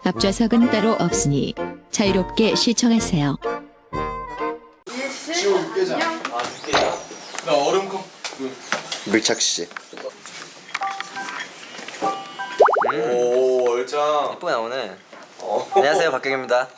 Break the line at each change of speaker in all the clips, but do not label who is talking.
앞좌석은 따로 없으니 자유롭게 시청하세요.
지호 육개장.
아, 육개장? 나 얼음컵
밀착시.
오, 얼짱.
예쁘게 나오네. 안녕하세요, 박경입니다.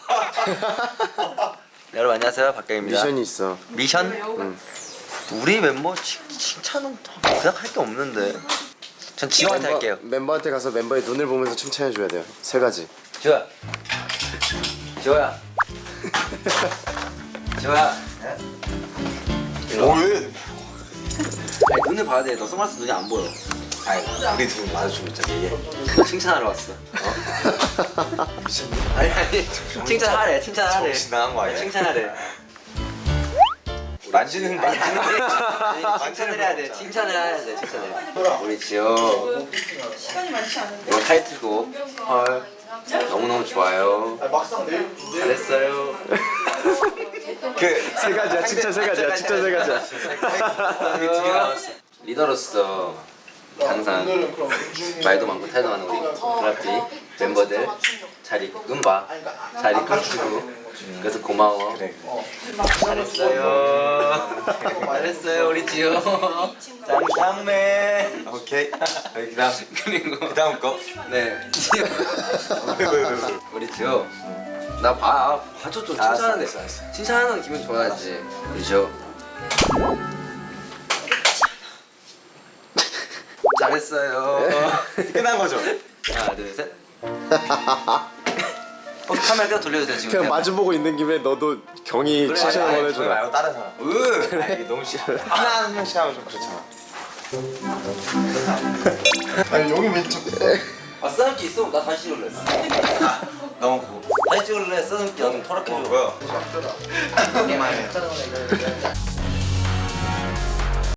여러분 안녕하세요, 박경입니다.
미션이 있어.
미션? 응. 우리 멤버 칭찬은 그냥 할 게 없는데. 전 지호한테 할게요.
멤버한테 가서 멤버의 눈을 보면서 칭찬해 줘야 돼요. 세 가지.
지호야. 지호야. 지호야.
왜?
아니, 눈을 봐야 돼. 너 선글라스 눈이 안 보여. 아니, 우리 둘 마주치고 있잖아. 얘. 너 칭찬하러 왔어. 아니, 칭찬하래.
정신 나간 거 아니야?
칭찬하래.
만지는
아니, 칭찬을 해야 돼. 칭찬을 해야 돼. 칭찬을. 우리 지호.
시간이 많지 않은데.
이거 타이틀곡. 헐. 너무너무 좋아요.
막상 내일
잘했어요.
세 가지야. 칭찬 세 가지야. 칭찬 세 가지야.
우리 두개 남았어. 리더로서 항상 말도 많고 태도 많은 우리 브라피 멤버들 잘 이끈 잘 이끌어주고 그래서 고마워. 잘했어요. 잘했어요 우리 지호. 짱짱맨.
오케이.
그리고
그 다음 거?
네 지호.
왜?
우리 지호. 나 봐줘 좀 칭찬하는 칭찬하는 기분 좋아야지. 우리 지호. 잘했어요.
끝난 거죠?
하나 둘 셋. 카메라 계속 돌려주세요 지금.
그냥 마주보고 있는 김에 너도 경이 칭찬 한번
저기
해줘라.
말고 다른 사람.
그래.
너무 싫어. 하나 한 명씩 하면 좀 그렇잖아. 아니 여기 왜 자꾸?
써놓기 있어? 나 다시 찍을래.
너무 고.
다시 찍을래? 써놓기 나 좀 털어줘.
뭐야?
우리만 해.